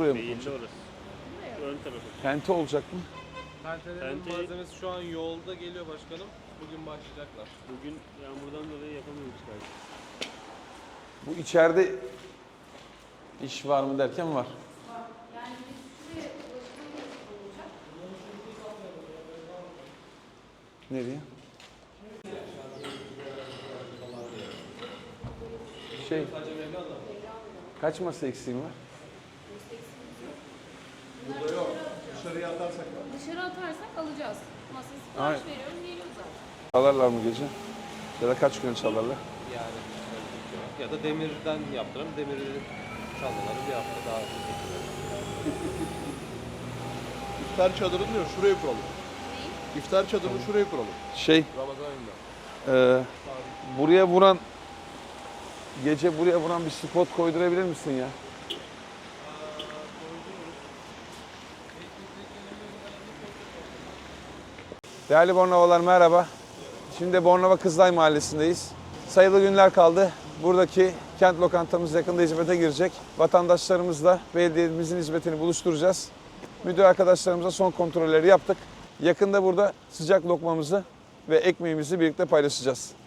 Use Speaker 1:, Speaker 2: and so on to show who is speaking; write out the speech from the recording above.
Speaker 1: oraya mı
Speaker 2: Değil
Speaker 1: konacak?
Speaker 2: orası. Ön tarafı.
Speaker 1: Tente olacak mı?
Speaker 3: Tentenin
Speaker 2: Tente-
Speaker 3: malzemesi şu an yolda geliyor başkanım. Bugün başlayacaklar.
Speaker 2: Bugün yağmurdan dolayı yapamıyoruz galiba.
Speaker 1: Bu içeride iş var mı derken var.
Speaker 4: Yani biz şuraya ulaşmamız olacak.
Speaker 1: Nereye? Şey, kaç masa eksiğin var?
Speaker 4: Burada yok. Dışarıya atarsak var. Dışarı atarsak alacağız. Masa sipariş veriyorum, geliyor zaten.
Speaker 1: Çalarlar mı gece? Ya da kaç gün çalarlar?
Speaker 3: Yani ya da demirden yaptıralım. Demirleri çalmaları bir hafta daha bekliyorlar.
Speaker 5: İftar çadırını diyor şuraya kuralım.
Speaker 4: Neyi?
Speaker 5: İftar çadırını şuraya kuralım.
Speaker 1: Şey,
Speaker 5: Ramazan ayında.
Speaker 1: buraya vuran, gece buraya vuran bir spot koydurabilir misin ya? Değerli Bornovalar merhaba. Şimdi Bornova Kızılay Mahallesi'ndeyiz. Sayılı günler kaldı. Buradaki kent lokantamız yakında hizmete girecek. Vatandaşlarımızla belediyemizin hizmetini buluşturacağız. Müdür arkadaşlarımıza son kontrolleri yaptık. Yakında burada sıcak lokmamızı ve ekmeğimizi birlikte paylaşacağız.